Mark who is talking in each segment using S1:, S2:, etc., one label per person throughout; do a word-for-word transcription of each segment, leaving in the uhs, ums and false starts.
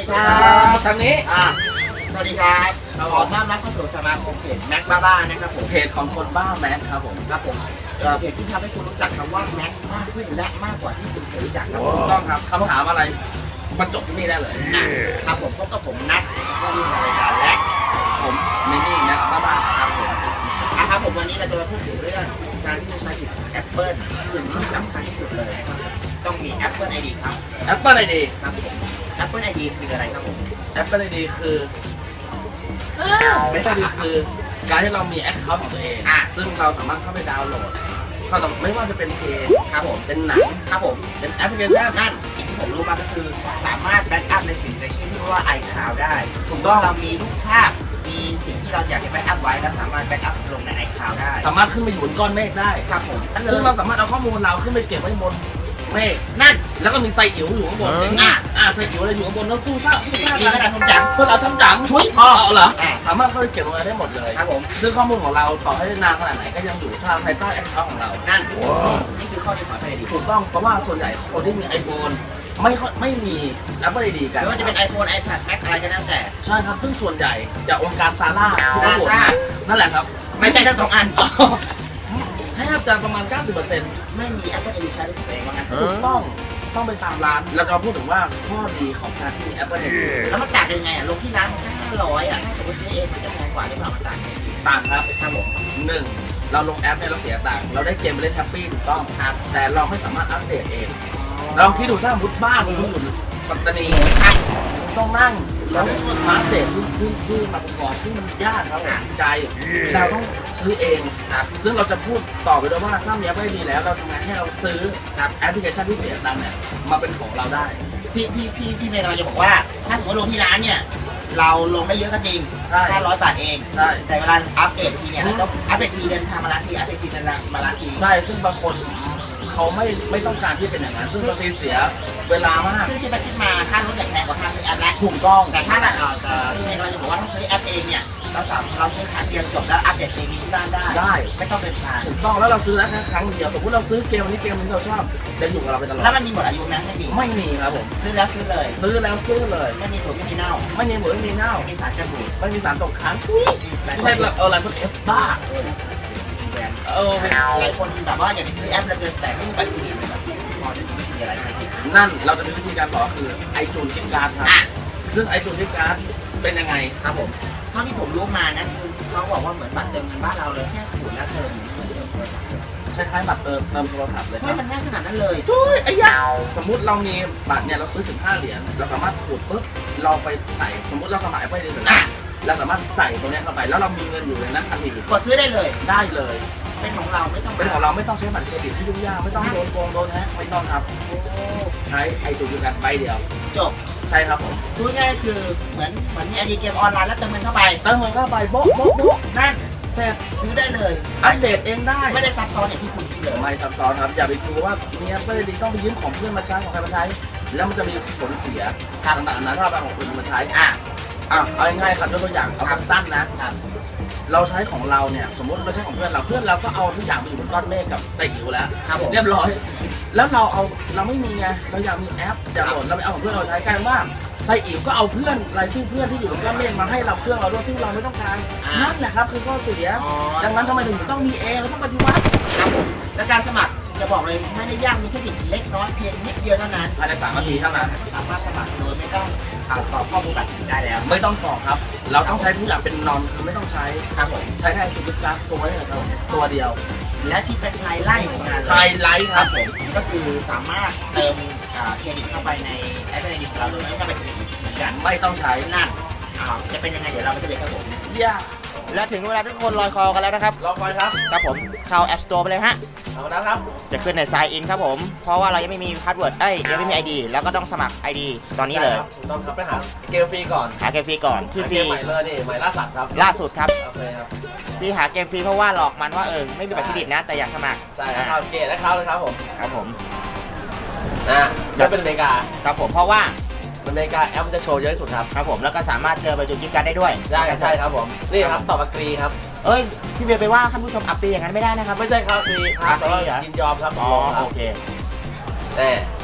S1: ดีครับทางนี้
S2: อ่าสวัสดีครับขอต้อนรับเข้าสู่สมาคมเพจแม็กบ้าบ้านะครับผม
S1: เพจของคนบ้าแม็กครับผม
S2: ครับผมเพจที่ทำให้คุณรู้จักคำว่าแม็กมากขึ้นและมากกว่าที่คุณเคยรู้จักครับ
S1: ถูกต้องครับคำถามอะไรมาจบที่นี่ได้เลย
S2: ครับผมพบกับผมนัทผู้ดำเนินรายการและ
S1: ผมมินี่แม็กบ้าบ้าครับผม
S2: นะครับผมวันนี้เราจะมาพูดถึงเรื่องการที่จะใช้สิทธิ์แอปเปิลสิ่งที่สำคัญที่สุดเลยนะครับต้องมี Apple ไอ ดี ครับ
S1: Apple ไอ ดี
S2: ครับผม Apple ไอ ดี คืออะไรครับผม
S1: Apple ไอ ดี คือไม่ใช่ดีคือการที่เรามีแอคเคาท์ของตัวเองซึ่งเราสามารถเข้าไปดาวน์โหลดเขาต้องไม่ว่าจะเป็นเพลง
S2: ครับผม
S1: เป็นหนัง
S2: ครับผม
S1: เป็นแอปพลิเคชัน
S2: นั่นสิ่งที่ผมรู้มาก็คือสามารถแบ็กอัพในสิ่งในชื่อที่ว่า iCloud ได้ถูกต้องเรามีรูปภาพมีสิ่งที่เราอยากจะแบ็กอัพไว้แล้วสามารถแบ็กอัพลงใน iCloud ได้
S1: สามารถขึ้นไปอยู่บนก้อนเมฆได้
S2: ครับผม
S1: ซึ่งเราสามารถเอาข้อมูลเราขึ้นไปเก็บไว้บนเมฆ
S2: นั่น
S1: แล้วก็มีไซอิ๋วอยู่ข้างบนอ่าอ่าไซอิ๋วอะไรอยู่ข้างบนแล้วสู้ซ่าสู้ซ่า
S2: มีกระดาษทำจัง
S1: เพื่อเราทำจัง
S2: ทุย
S1: อ๋อเหรอสามารถเข้าไปเก็บไว้ได้หมดเลย
S2: ครับผม
S1: ซึ่งข้อมูลของเราต่อให้นานขนาดไหนก็ยังอยู่ภายใต้แอคเคาท์ของเรา
S2: นั่นนี่คือข้อดีของ Apple ไอ ดี
S1: ถูกต้องเพราะว่าส่วนใหญ่คนที่มี ไอโฟน ไม่ไม่มี Apple ไอ ดี กัน
S2: ไม่ว่าจะเป็น iPhone iPad Mac อะไรก็แล้วแต่
S1: ใช่ครับซึ่งส่วนใหญ่จากองค์การซาร่าทุกคนนั่นแหละครับ
S2: ไม่ใช่ทั้งสองอัน
S1: แทบจะประมาณ เก้าสิบเปอร์เซ็นต์
S2: ไม่มี Apple ไอ ดี ใช้ด้วยตัวเองว่างั้น
S1: ถูกต้องต้องไปตามร้านเราจะพูดถึงว่าข้อดีของการที่มี Apple ไอ ดี
S2: แล้วมันต่างกันยังไงอ่ะลงที่ร้านมันแค่ห้าร้อยอ่ะถ้าสมมติซื้อเองมันจะแพงกว่าหรือเปล่ามันต่างกัน
S1: ต่างครับ
S2: ครับผม
S1: หนึ่งเราลงแอปเนี่ยเราเสียตังค์เราได้เกมไปเล่นแฮปปี้ถูกต้องครับแต่เราไม่สามารถอัปเดตเองลองคิดดูถ้ามุดบ้านคุณอยู่ปัตตานีต้องนั่งแล้วมาอัปเดตที่ที่ที่มาประกอบที่มันยากครับใจเราต้องซื้อเองครับซึ่งเราจะพูดต่อไปด้วยว่าถ้ามีแอปดีแล้วเราทำงานให้เราซื้อแอปพลิเคชันที่เสียตังค์เนี่ยมาเป็นของเราได้
S2: พี่พี่พี่พี่เมย์เราจะบอกว่าถ้าสมมติลงที่ร้านเนี่ยเราลงได้เยอะก็จริงห้าร้อยบาทเองแต่เวลาอัปเดตทีเนี่ยเราต้องอัปเดตทีเดินทางมาร้านทีอัปเดตทีเดินมาร้านที
S1: ใช่ซึ่งบางคนเขาไม่ไม่ต้องการที่เป็นอย่างนั้นซึ่งบางทีเสียเวลามาก
S2: ซึ่งที่ไปคิดมาค่ารถแพงกว่าค่าซื้อแอปแล้ว
S1: ถูกต้อง
S2: แต่ถ้าเราจะพี่เมย์เราจะบอกว่าถ้าซื้อแอปเองเนี่ยเราสามเราซื้อครั้งเดียวจบแล้วอัปเดตเองที่บ้านได้
S1: ได้
S2: ไม่ต้องเป็นทาง
S1: ถูกต้องแล้วเราซื้อแล้วแค่ครั้งเดียวสมมติเราซื้อเกมนี้เกมนี้เราชอบจะอยู่กับเราไปตลอด
S2: แล้วมันมีหมดอายุไหมไม่มี
S1: ไม่มีครับผม
S2: ซื้อแล้วซื้อเลย
S1: ซื้อแล้วซื้อเลย
S2: ไม่มีสูตรไม่มีเน่า
S1: ไม่มีหมูไม่มีเน่า
S2: ไม่มีสารกันบูด
S1: ไม่มีสารตกค้างไม่ใช่เอออะไรพวกเอฟบ้า
S2: เออหลายคนแบบว่าอยากจะซื้อแอปแล้วแต่ไม่มีบัตรเครดิตแบบพอจะมีวิธีอะไรไหม
S1: นั่นเราจะมีวิธีการบอกคือไอจูนกิฟต์การ์ดครับซึ่งไอจูนกิฟต์การ์ดเป็นยังไง
S2: ครับผมเท่าที่ผมรู้มานะคือเขาบอกว่าเหมือนบัตรเติมเงินบ้านเราเลยแค่ขูดแล้วเติม
S1: คล้ายๆบัตรเติมเติมโทรศัพท์เลย
S2: ไม่มันง่ายขนาดนั้นเลย
S1: ทุยไอ้ยาสมมุติเรามีบัตรเนี่ยเราซื้อสิบห้าเหรียญเราสามารถขูดปุ๊บเราไปใส่สมมติเราสมัครไปเดือนละเราสามารถใส่ตรงนี้เข้าไปแล้วเรามีเงินอยู่ในนั้นทันที
S2: กดซื้อได้เลย
S1: ได้เลย
S2: เป็นของเราไม่ต้อง
S1: เป็นของเราไม่ต้องใช้บัตรเครดิตที่ยุ่งยากไม่ต้องโดนโกงโดนแฮกไม่ต้องครับใช้ไอจูนกันใบเดียว
S2: จบ
S1: ใช่ครับผม
S2: พูดง่ายคือเหมือนเหมือนมีไอดีเกมออนไลน์แล้วเติมเงินเข้าไป
S1: เติมเงินเข้าไปโบ๊ะโบ๊ะโบ๊ะ
S2: นั่น
S1: เสร็จ
S2: ซื้อได้เลย
S1: อัปเดตเองได้
S2: ไม่ได้ซับซ้อนอย่างที่คุณคิดเลย
S1: ไม่ซับซ้อนครับอย่าไปกลัวว่ามีแอปเปิลดีต้องไปยืมของเพื่อนมาใช้ของใครมาใช้แล้วมันจะมีผลเสียต่างๆนะถ้าเราเอาของคนมาใช้อ่ะอ่ะเอาง่ายๆครับยกตัวอย่างเอาสั้นๆนะเราใช้ของเราเนี่ยสมมติเราใช้ของเพื่อนเราเพื่อนเราก็เอาทุกอย่างมาอยู่บนก้อนเมฆกับไซอิ๋วแล้วเรียบร้อยแล้วเราเอาเราไม่มีไงเราอยากมีแอปอยากโหลดเราไปเอาของเพื่อนเราใช้กันว่าไซอิ๋วก็เอาเพื่อนรายชื่อเพื่อนที่อยู่บนก้อนเมฆมาให้เราเครื่องเราด้วยซึ่งเราไม่ต้องการนั่นแหละครับคือข้อเสียดังนั้นทำไมถึงต้องมีเองเราต้องปฏิวัติ
S2: ครับผมและการสมัครจะบอกเลยไม่ได้ยากมีเทคนิคเล็กน้อยเพียงนิดเดียวเท่านั้น
S1: ภายในสามนาทีเท่านั้น
S2: สามารถสมัครโดยไม่ต้องตอบข้อมูลบัตรได้แล้ว
S1: ไม่ต้องกรอกครับเราต้องใช้ทุกอย่างเป็นนอนคือไม่ต้องใช้
S2: ครับผม
S1: ใช้แค่จุดกราฟตัวนี้ครับตัวเดียว
S2: และที่เป็นไฮไลท์ของงาน
S1: ไฮไลท์ครับผม
S2: ก็คือสามารถเติมเครดิตเข้าไปในแอปเครดิตของเราโดยไม่ต้องไปเครดิตเหมือนกัน
S1: ไม่ต้องใช้
S2: นั่นจะเป็นยังไงเดี๋ยวเราไปเจอกันครับผม
S1: ย่า
S2: และถึงเวลาทุกคนลอยคอกันแล้วนะครับ
S1: รอคอยครับ
S2: ครับผมเข้า App Store ไปเลยฮะ
S1: เอาแล้วครับ
S2: จะขึ้นใน Sign In ครับผมเพราะว่าเรายังไม่มีพาสเวิร์ดเอ้ยยังไม่มี ไอ ดี แล้วก็ต้องสมัคร ไอ ดี ตอนนี้เลย
S1: ต้องครับไปหาเกมฟรีก่อน
S2: หาเกมฟรีก่อนที่ฟรี
S1: ใหม่เลยนี่ใหม่ล่าสุดครับ
S2: ล่าสุดครับ
S1: โอเคครับ
S2: ที่หาเกมฟรีเพราะว่าหลอกมันว่าเออไม่มีบัตรเครดิตนะแต่อยากสมัคร
S1: ใช่ครับเกมและเขาเลยครับผม
S2: ครับผม
S1: อ่าจะเป็นอเมริกา
S2: ครับผมเพราะว่า
S1: อเมริกาแอปจะโชว์เยอะที่สุดครับ
S2: ครับผมแล้วก็สามารถเจอใบจูนกิฟต์การ์ดได้ด้วย
S1: ใช่ใช่ครับผมนี่ครับตอบอักรีครับ
S2: เอ้ยพี่เบียร์ไปว่าท่านผู้ชมอัปปีอย่างนั้นไม่ได้นะครับ
S1: ไม่ใช่ครับฟรีครับแต่ว่ายินยอมครับ
S2: อ๋อโอเค
S1: แต่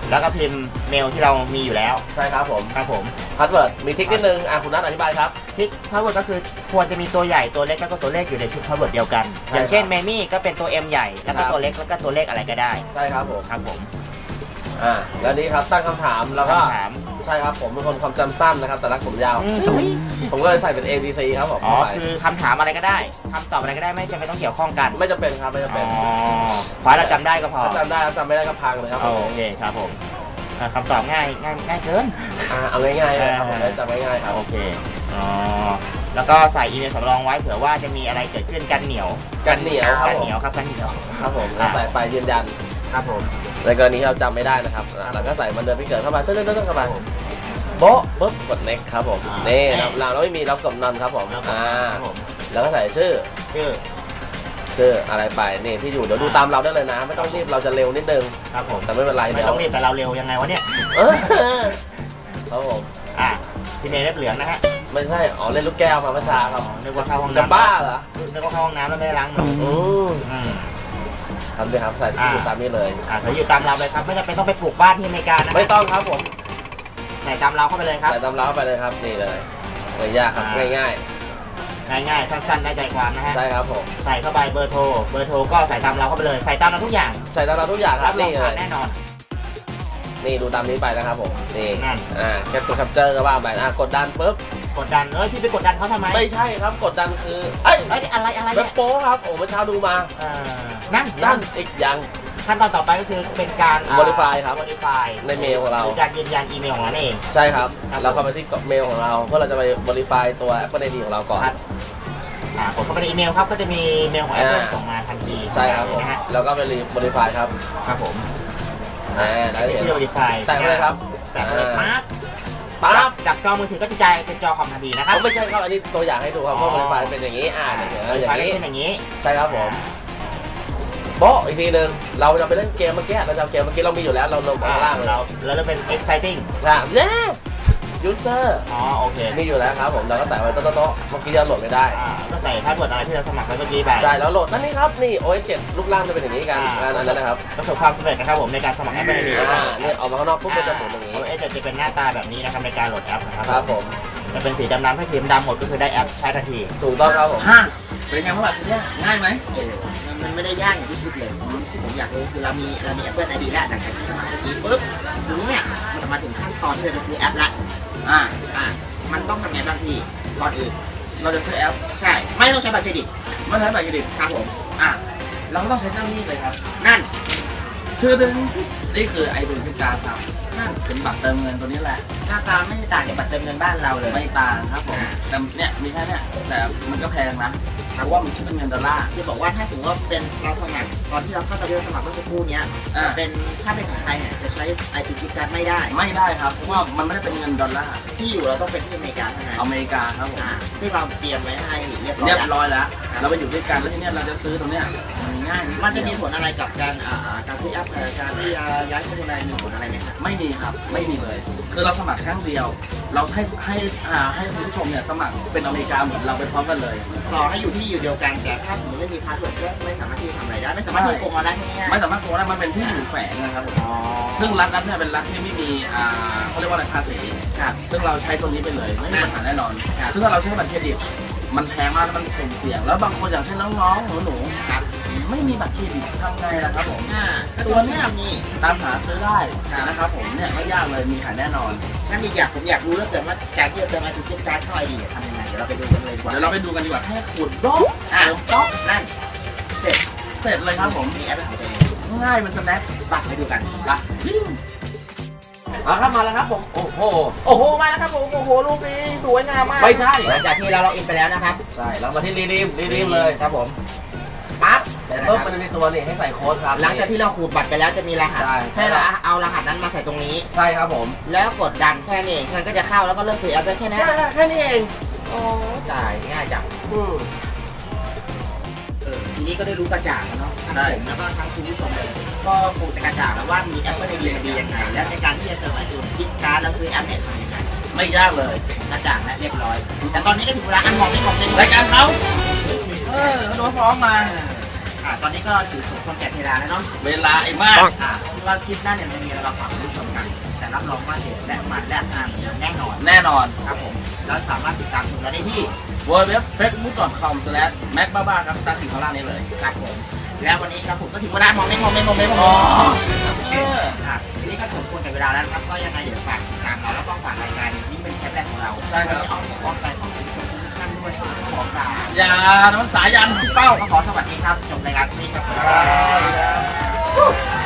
S2: แล้วก็พิมพ์เมลที่เรามีอยู่แล้ว
S1: ใช่ครับผม
S2: ครับผม
S1: พาสเวิร์ดมีทริคนิดนึงอ่ะคุณนัทอธิบายครับ
S2: ทริคพาสเวิร์ดก็คือควรจะมีตัวใหญ่ตัวเล็กแล้วก็ตัวเลขอยู่ในชุดพาสเวิร์ดเดียวกันอย่างเช่นเมมี่ก็เป็นตัว M ใหญ่แล้วก็ตัวเล็กแล้วก็ตัวเลขอะไรก็ได้
S1: ใช่ครับผม
S2: ครับผม
S1: อ่าแล้วนี้ครับตั้งคำถามแล้วก็ใช่ครับผมเป็นคนความจำสั้นนะครับแต่รักผมยาวผมก็เลยใส่เป็น A B C ครับผม
S2: อ๋อคือคำถามอะไรก็ได้คำตอบอะไรก็ได้ไม่จำเป็นต้องเกี่ยวข้องกัน
S1: ไม่จำเป็นครับไม่จำเป็น
S2: อ๋อขอให้เราจำได้ก็พอ
S1: จำได้จำไม่ได้ก็พังเลยครับ
S2: โอเคครับผมคำตอบง่ายง่ายง่ายเกิน
S1: อ่าเอาง่ายๆครับผมจำง่ายๆครับ
S2: โอเคอ๋อแล้วก็ใส่อีเมลสำรองไว้เผื่อว่าจะมีอะไรเกิดขึ้นกันเหนียว
S1: กันเหนียว
S2: กันเหนียวครับกันเหนียว
S1: ครับผมใส่ไปยืนยัน
S2: ครับผม
S1: ในกรณีเราจำไม่ได้นะครับเราก็ใส่มันเดินไปเกิดเข้ามาตึ้งตึ้งตึ้งเข้ามาโบ๊ะปุ๊บกด next ครับผมนี่เราเราไม่มีเรากดนอนครับผมอ่าแล้วก็ใส่ชื่อ
S2: ชื่อ
S1: ชื่ออะไรไปนี่ที่อยู่เดี๋ยวดูตามเราได้เลยนะไม่ต้องรีบเราจะเร็วนิดนึง
S2: ครับผม
S1: แต่ไม่เป็นไร
S2: ไม่ต้องรีบแต่เราเร็วยังไงวะเนี่ย
S1: เออครับผม
S2: อ่าพี่เนยเล็บเหลืองนะฮะ
S1: ไม่ใช่อ๋อเล่นลูกแก้วมาเมื่อเช้าครับ
S2: นึกว่าเข้าห้องน้ำ
S1: จะบ้าเหรอ
S2: นึกว่าเข้าห้องน้ำแล้วไม่ได้ล้างมือ
S1: อืมทำเลยครับใส่ที่อยู่ตามนี้เลย
S2: อ่าใส่อยู่ตามเราเลยครับไม่จำเป็นต้องไปปลูกบ้านที่อเมริกานะ
S1: ไม่ต้องครับผม
S2: ใส่ตามเราเข้าไปเลยครับ
S1: ใส่ตามเราเข้าไปเลยครับนี่เลยไม่ยากครับง่ายง่าย
S2: ง่ายๆสั้นๆได้ใจความนะฮะ
S1: ใช่ครับผม
S2: ใส่เข้าไปเบอร์โทรเบอร์โทรก็ใส่ตามเราเข้าไปเลยใส่ตามเราทุกอย่าง
S1: ใส่ตามเราทุกอย่างครับ
S2: นี่เลยแน่นอน
S1: นี่ดูตามนี้ไปนะครับผมนี่นั่นอ่าแคปตัวแคปเจอร์ก็ว่าไปอ่ากดดันปุ๊บ
S2: กดดันเอ้ยพี่ไปกดดันเขาทำไม
S1: ไม่ใช่ครับกดดันคือเอ้ย
S2: อะไรอะไร
S1: แบบโป๊ครับโอ้เมื่อเช้าดูมา
S2: อ่านั่น
S1: นั่นอีกอย่าง
S2: ขั้นตอนต่อไปก็คือเป็นการ
S1: modify ครับ
S2: modify
S1: ในเมลของเรา
S2: การยืนยันอีเมลของเราเอง
S1: ใช่ครับเราเข้าไปที่เมลของเราเพื่อเราจะไป modify ตัว Apple ไอ ดี ของเราก่อน
S2: อ่ากดเข้าไปในอีเมลครับก็จะมีเมลของ Apple ส่งมาทันที
S1: ใช่ครับนะฮะแล้วก็ไป modify ครับ
S2: ครับผม
S1: อ่าได้เห็น
S2: modify
S1: แต่งเลยครับ
S2: แต่งเลยปั๊บปั๊บจากจอมือถือก็จะกลายเป็นจอคอมทันทีนะครับ
S1: ไม่ใช่ครับอันนี้ตัวอย่างให้ดูครับว่า modify เป็นอย่างนี้อ่าอย่างนี้
S2: เป็นอย่างนี้
S1: ใช่ครับผมโบ๊ะอีกทีหนึ่งเราจะไปเล่นเกมเมื่อกี้เราจะเกมเมื่อกี้เรามีอยู่แล้วเราลงข้างล่าง
S2: เราแล้วเราเป็น exciting
S1: ใช่เย้ยูเซอร์
S2: อ๋อโอเค
S1: มีอยู่แล้วครับผมเราก็ใส่ไว้โต๊ะโต๊ะเมื่อกี้เราโหลดไม่ได้
S2: อ่าก็ใส่พาสเวิร์ดอะไรที่เราสมัครไว้เมื่อกี้ไป
S1: ใช่แล้วโหลดนั่นนี่ครับนี่ โอ เอส เจ็ดลูกล่างจะเป็นอย่างนี้กันนั่นนะครับ
S2: ประสบความสำเร็จนะครับผมในการสมัครแอปเปิลไอดี
S1: อ่าเนี่ยออกมาข้างนอกปุ๊บจะเป็นอย่างนี้
S2: โอ เอส เจ็ดจะเป็นหน้าตาแบบนี้นะครับในการโหลดแอปนะครับ
S1: ครับผม
S2: จะเป็นสีดำๆถ้าสีดำหมดก็คือได้แอปใช้ทันที
S1: ถูกต้องครับผม
S2: ฮะเป็นไงบ้างแบบนี้ง่ายไหมมันไม่ได้ยากอย่างที่คิดเลยที่ผมอยากรู้คือเรามีเรามี Apple ไอ ดี แล้วจากการที่สมัครเมื่อกี้ปุ๊บทีนี้เนี่ยมันมาถึงขั้นตอนที่เราจะซื้อแอปละอ่าอ่ามันต้องทำไงบ้างพี่ก่อนอื่น
S1: เราจะซื้อแอป
S2: ใช่ไม่ต้องใช้บัตรเครดิต
S1: ไม่ใช้บัตรเครดิต
S2: ครับผม
S1: อ่ะเราก็ต้องใช้เจ้าหนี้เลยครับ
S2: นั่น
S1: ชื่อดึงนี่คือไอเดนติการครับนั่นเป็นบัตรเติมเงินตัวนี้แหละ
S2: หน้าตาไม่ได้ต่างจากบัตรเติมเงินบ้านเราเลย
S1: ไม่ต่างครับผมแต่เนี่ยมีแค่เนี่ยแต่มันก็แพงนะเพราะว่ามันคิดเป็นเงินดอลลาร์
S2: ที่บอกว่าถ้าสมมติว่าเป็นเราสมัครตอนที่เราเข้าตอนที่เราสมัครเมื่อสักครู่นี้เป็นถ้าเป็นของไทยเนี่ยจะใช้ไอพีจีการ์ดไม่ได้
S1: ไม่ได้ครับเพราะว่ามันไม่ได้เป็นเงินดอลลาร์
S2: ที่อยู่เราต้องเป็นที่อเมริกาเท่านั้น
S1: อเมริกาครับผม
S2: ซึ่งเราเตรียมไว้ให้เรียบร้อย
S1: เรียบร้อยแล้วเราไปอยู่ด้วยกันแล้วทีนี้เราจะซื้อตรงเนี้ยมันง่าย
S2: มันจะมีผลอะไรกับการการที่แอปการที่ย้ายข้อมูลอะไรมีผลอะไรไหมครับ
S1: ไม่มีครับไม่มีเลยคือเราสมัครครั้งเดียวเราให้ให้ให้คุณผู้ชมเนี่ยสมัครเป็นอเมริกาเหมือนเราไปพร้อมกันเลย
S2: ต่อให้อยู่ที่อยู่เดียวกันแต่ถ้าสมมติไม่มีพาสเวิร์ดก็ไม่สามารถที่จะทำอะไรได้ไม่สามารถที่จะโกงได้ง่าย
S1: ไม่สามารถโกงได้มันเป็นที่อยู่แฝงนะครับซึ่งรัฐรัฐเนี่ยเป็นรัฐที่ไม่มีอ่าเขาเรียกว่าอะไรภาษีซึ่งเราใช้ตัวนี้ไปเลยไม่มีปัญหาแน่นอนซึ่งถ้าเราใช้บัตรเครดิตมันแพงมากแล้วมันเสี่ยงแล้วบางคนอย่างเช่นน้องๆหนูๆไม่มีบัตรเครดิตทำไงล่ะครับผม
S2: ตัวนี้มี
S1: ตามหาซื้อได้นะครับผมเนี่ยไม่ยากเลยมีขายแน่นอน
S2: งั้นอีกอย่างผมอยากรู้เรื่องเกิดว่าการที่จะเติมไอทีการ์ดเข้าไอดีทำยังไงเดี๋ยวเราไปดูกันเลยดีกว่า
S1: เดี๋ยวเราไปดูกันดีกว่าแค่ขุดบล็อก
S2: เติมบล็อกนั่นเสร็จ
S1: เสร็จเลยครับผม
S2: มีแอปของตัวเอง
S1: ง่ายมันสแน็ค
S2: บัตรไปดูกัน
S1: บัตรมาครับมาแล้วครับผมโอ้โห
S2: โอ้โหมาแล้วครับผมโอ้โหรูปนี้สวยงามมาก
S1: ไม่ใช่
S2: หลังจากที่เราล็อกอินไปแล้วนะครับ
S1: ใช่เรามาที่รีดีมรีดีมเลย
S2: ครับผมปั๊บ
S1: ปุ๊บมันจะมีตัวนี่ให้ใส่โค้ดครับ
S2: หลังจากที่เราขูดบัตรไปแล้วจะมีรหัสให้เราเอารหัสนั้นมาใส่ตรงนี้
S1: ใช่ครับผม
S2: แล้วกดดันแค่นี้เงินก็จะเข้าแล้วก็เลิกซื้อแอปได้แค่นี้
S1: ใช่แค่นี้เอง
S2: โอ้จ่ายง่ายจัง
S1: อืม
S2: ทีนี้ก็ได้รู้กระจ่างแล้วเนาะทั้งผมแล้วก็ทั้งคุณผู้ชมเลยก็คงจะกระจ่างแล้วว่ามีแอปเปิลไอดีดียังไงและในการที่จะเติมไอจูนคลิกการ์ดแล้วซื้อแอปเนี่ยทำยังไง
S1: ไม่ยากเลย
S2: กระจ่างและเรียบร้อยแต่ตอนนี้ก็ถึงเวลาอันมองไม่มองเป็น
S1: รายการเขาเออโดนฟ้องมา
S2: คอ่าตอนนี้ก็ถือสมควรแก่เวลาแล้วเนาะ
S1: เวลาไอ้มาก
S2: อ่าเราคลิปหน้าเนี่ยจะมีอะไรมาฝากคุณผู้ชมกันแต่รับรองว่าเด็ดและมันและอ่านเหมือนเดิมแน่นอน
S1: แน่นอน
S2: ครับผมแล้วสามารถติดตามชมเราได้ที่
S1: ดับเบิลยู ดับเบิลยู ดับเบิลยู ดอท เฟซบุ๊ก ดอท คอม สแลช แม็กบ้าบ้าครับตั้งถึงข้างล่างนี้เลย
S2: ครับผมแล้ววันนี้ครับผมก็ถึงเวลามองไม่มองไม่มองไม่มอง
S1: อ๋อ
S2: โอเคอ่ะทีนี้ก็สมควรกับเวลาแล้วนะครับก็ยังไงเดี๋ยวฝากติดตามเราแล้วก็ฝากรายการนี้เป็นแคปแรกของเรา
S1: ใช่ครับ
S2: วันนี้เอาของใจของคุณผู้ชมทุกท่านด้วยขอการ
S1: อย่าน้ำมันสายันเป้า
S2: ก็ขอสวัสดีครับจบรายการนี้ครับ
S1: ครับ